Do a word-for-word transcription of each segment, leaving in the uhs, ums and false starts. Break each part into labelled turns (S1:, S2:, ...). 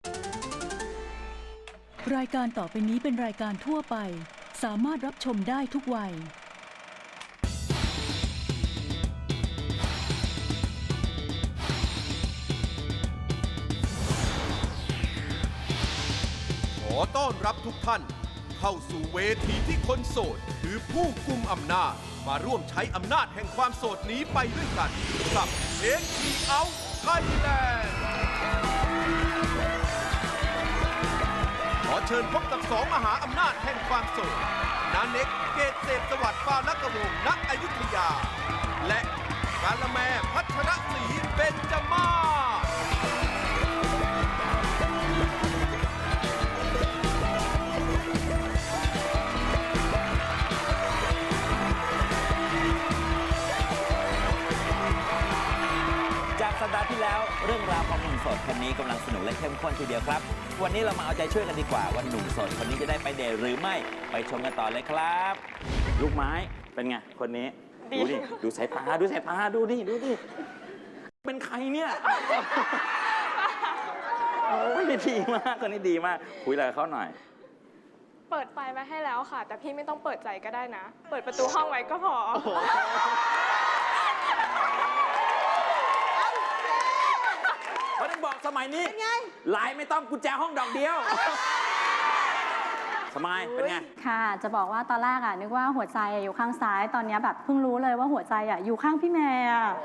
S1: รายการต่อไปนี้เป็นรายการทั่วไปสามารถรับชมได้ทุกวัย
S2: ขอต้อนรับทุกท่านเข้าสู่เวทีที่คนโสดคือผู้กุมอำนาจมาร่วมใช้อำนาจแห่งความโสดนี้ไปด้วยกันกับ เอ็กซ์ ที เอาท์ Thailand ขอเชิญพบกับสองมหาอำนาจแห่งความโสดนาเน็กเกตเศษสวัสดิ์ปาลักวงศ์ณอยุธยาและกาละแมพัชรศรีเบญจมาศ
S3: จากสัปดาห์ที่แล้วเรื่องราวของหนุ่มโสดคนนี้กำลังสนุกและเข้มข้นทีเดียวครับวันนี้เรามาเอาใจช่วยกันดีกว่าว่าหนุ่มโสดคนนี้จะได้ไปเดทหรือไม่ไปชมกันต่อเลยครับลูกไม้เป็นไงคนนี้ดูดิดูสายตาดูสายตาดูดิดูดิเป็นใครเนี่ยโอ้ยดีมากคนนี้ดีมากคุยอะไรกับเขาหน่อย
S4: เปิดไฟมาให้แล้วค่ะแต่พี่ไม่ต้องเปิดใจก็ได้นะเปิดประตูห้องไว้ก็พอ
S3: เขาต้องบอกสมัยนี้ไลน์ไม่ต้องกุญแจห้องดอกเดียวสมัยเป็นไง
S5: ค่ะจะบอกว่าตอนแรกอ่ะนึกว่าหัวใจอยู่ข้างซ้ายตอนนี้แบบเพิ่งรู้เลยว่าหัวใจอ่ะอยู่ข้างพี่แม่อ่ะ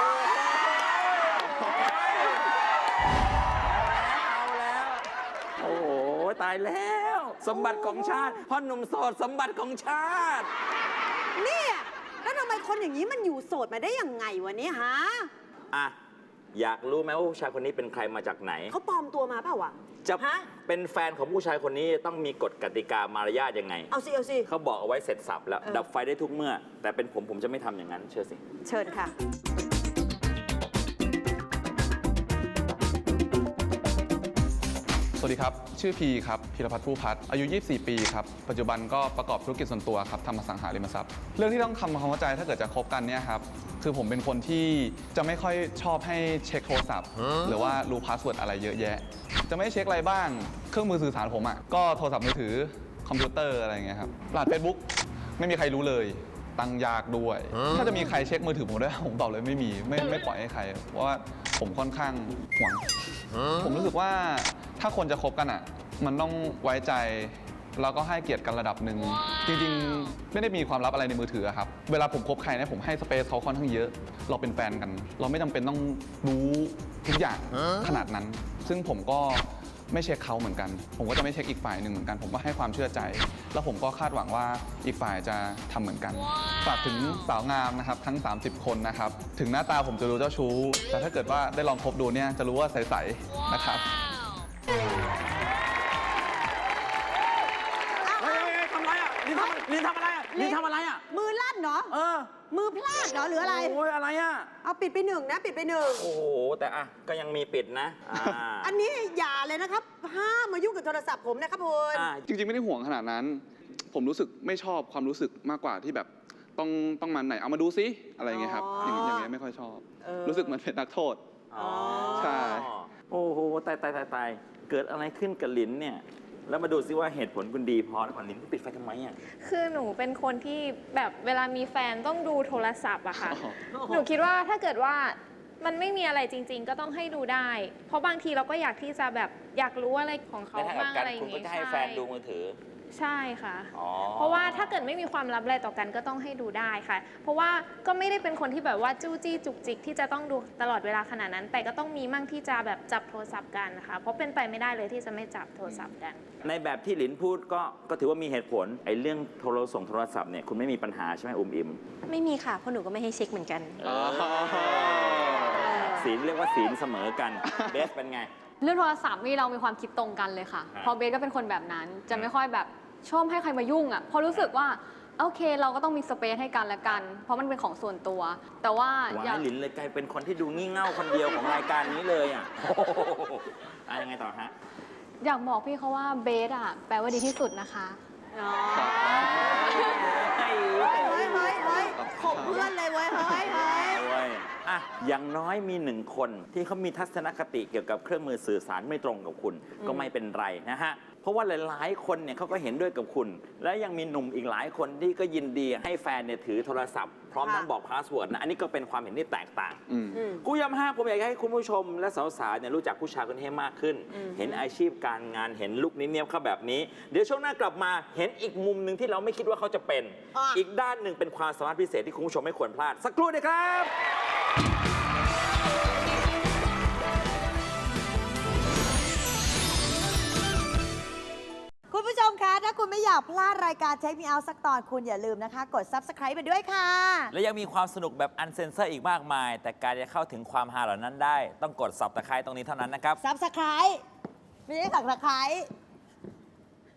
S3: เอาแล้วโอ้โหตายแล้วสมบัติของชาติพ่อหนุ่มโสดสมบัติของชาติ
S6: เนี่ยแล้วทำไมคนอย่างนี้มันอยู่โสดมาได้ยังไงวะเนี่ยฮะ
S3: อ่ะอยากรู้ไหมว่าผู้ชายคนนี้เป็นใครมาจากไหน
S6: เขาปลอมตัวมาเปล่าวะ
S3: จะเป็นแฟนของผู้ชายคนนี้ต้องมีกฎกติกามารยาทยังไง
S6: เอาสิเอาสิ
S3: เขาบอกเอาไว้เสร็จสับแล้วดับไฟได้ทุกเมื่อแต่เป็นผมผมจะไม่ทำอย่างนั้นเชื่อสิ
S6: เชิญค่ะ
S7: สวัสดีครับชื่อพีครับพีรพัฒน์ผู้พัฒน์อายุยี่สิบสี่ปีครับปัจจุบันก็ประกอบธุรกิจส่วนตัวครับทำอสังหาริมทรัพย์เรื่องที่ต้องทำความเข้าใจถ้าเกิดจะคบกันเนี่ยครับคือผมเป็นคนที่จะไม่ค่อยชอบให้เช็คโทรศัพท์หรือว่ารู้พาสเวิร์ดอะไรเยอะแยะจะไม่เช็คอะไรบ้างเครื่องมือสื่อสารผมอ่ะก็โทรศัพท์มือถือคอมพิวเตอร์อะไรอย่างเงี้ยครับรหัส Facebook ไม่มีใครรู้เลยตั้งยากด้วยถ้าจะมีใครเช็คมือถือผมได้ผมตอบเลยไม่มีไม่ไม่ปล่อยให้ใครเพราะว่าผมค่อนข้างหวงผมรู้สึกว่าถ้าคนจะคบกันอ่ะมันต้องไว้ใจแล้วก็ให้เกียรติกันระดับหนึ่งจริงๆไม่ได้มีความลับอะไรในมือถือครับเวลาผมคบใครเนี่ยผมให้สเปซเขาค่อนข้างเยอะเราเป็นแฟนกันเราไม่จำเป็นต้องรู้ทุกอย่างขนาดนั้นซึ่งผมก็ไม่เช็คเขาเหมือนกันผมก็จะไม่เช็คอีกฝ่ายหนึ่งเหมือนกันผมก็ให้ความเชื่อใจแล้วผมก็คาดหวังว่าอีกฝ่ายจะทำเหมือนกันฝากถึงสาวงามนะครับทั้งสามสิบคนนะครับถึงหน้าตาผมจะรู้เจ้าชู้แต่ถ้าเกิดว่าได้ลองคบดูเนี่ยจะรู้ว่าใสๆนะครับ
S3: ลินทำอะไรอ่ะลินทำอะไรอ่ะ
S6: มือลั่นเนาะ
S3: เออ
S6: มือพลาดเนาะหรืออะไร
S3: โอ้ยอะไรอ่ะ
S6: เอาปิดไปหนึ่งนะปิดไปหนึ่ง
S3: โอ้โหแต่อ่ะก็ยังมีปิดนะ
S6: อันนี้อย่าเลยนะครับห้ามมายุ่งกับโทรศัพท์ผมนะครับคุณ
S7: จริงๆไม่ได้ห่วงขนาดนั้นผมรู้สึกไม่ชอบความรู้สึกมากกว่าที่แบบต้องต้องมาไหนเอามาดูซิอะไรอย่างเงี้ยครับอย่างอย่างเงี้ยไม่ค่อยชอบรู้สึกเหมือนเป็นนักโทษใช่
S3: โอ้โหตายตายตายตายเกิดอะไรขึ้นกับลินเนี่ยแล้วมาดูซิว่าเหตุผลคุณดีพอแล้วก่อนลินก็ปิดไฟทำไมอ่ะ
S4: คือหนูเป็นคนที่แบบเวลามีแฟนต้องดูโทรศัพท์อะค่ะหนูคิดว่าถ้าเกิดว่ามันไม่มีอะไรจริงๆก็ต้องให้ดูได้เพราะบางทีเราก็อยากที่จะแบบอยากรู้อะไรของเขาบ้างอะไรอย่าง
S3: งี้คุณก็จะให้แฟนดูมือถือ
S4: ใช่ค่ะเพราะว่าถ้าเกิดไม่มีความลับอะไรต่อกันก็ต้องให้ดูได้ค่ะเพราะว่าก็ไม่ได้เป็นคนที่แบบว่าจู้จี้จุกจิกที่จะต้องดูตลอดเวลาขนาดนั้นแต่ก็ต้องมีมั่งที่จะแบบจับโทรศัพท์กันนะคะเพราะเป็นไปไม่ได้เลยที่จะไม่จับโทรศัพท์กัน
S3: ในแบบที่หลินพูดก็ก็ถือว่ามีเหตุผลไอ้เรื่องโทรส่งโทรศัพท์เนี่ยคุณไม่มีปัญหาใช่ไหมอุ้มอิม
S5: ไม่มีค่ะเพราะหนูก็ไม่ให้เช็คเหมือนกัน
S3: ศีลเรียกว่าศีลเสมอกันเบสเป็นไง
S5: เรื่องโทรศัพท์นี่เรามีความคิดตรงกันเลยค่ะเพราะเบสก็เป็นคนแบบนั้นจะไม่ค่อยแบบชอบให้ใครมายุ่งอ่ะพอรู้สึกว่าโอเคเราก็ต้องมีสเปซให้กันและกันเพราะมันเป็นของส่วนตัวแต่ว่า
S3: อย่าหลินเลยกลายเป็นคนที่ดูงี่เง่าคนเดียวของรายการนี้เลยอ่ะอะไรยังไงต่อฮะ
S5: อยากบอกพี่เขาว่าเบสอ่ะแปลว่าดีที่สุดนะคะ
S6: อ๋อเฮ้ยเฮ้ยเฮ้ยเฮ้ยขบเพื่อนเลยเว้ยเฮ้ยเฮ้ย
S3: อ่ะอย่างน้อยมีหนึ่งคนที่เขามีทัศนคติเกี่ยวกับเครื่องมือสื่อสารไม่ตรงกับคุณก็ไม่เป็นไรนะฮะเพราะว่าหลายๆคนเนี่ยเขาก็เห็นด้วยกับคุณ และยังมีหนุ่มอีกหลายคนที่ก็ยินดีให้แฟนเนี่ยถือโทรศัพท์พร้อมทั้งบอกพาสเวิร์ดนะอันนี้ก็เป็นความเห็นที่แตกต่าง
S7: อืม
S3: กูย้ำห้าผมอยากให้คุณผู้ชมและสาวๆเนี่ยรู้จักผู้ชายคนนี้ให้มากขึ้น เห็นอาชีพการงานเห็นลุคนี้เนียบเขาแบบนี้ เดี๋ยวช่วงหน้ากลับมาเห็นอีกมุมหนึ่งที่เราไม่คิดว่าเขาจะเป็น
S6: อ่ะ
S3: อีกด้านหนึ่งเป็นความสามารถพิเศษที่คุณผู้ชมไม่ควรพลาด สักครู่เดียวครับ
S6: คุณผู้ชมคะ ถ้าคุณไม่อยากพลาดรายการเช็คมีเอาสักตอนคุณอย่าลืมนะคะ กด ซับสไครบ์ ไปด้วยค่ะ
S3: และยังมีความสนุกแบบอันเซนเซอร์อีกมากมาย แต่การจะเข้าถึงความฮาเหล่านั้นได้ ต้องกดสับตะไคร้ตรงนี้เท่านั้นนะครับ
S6: ซับสไครบ์ไม่ใช่สักตะไคร้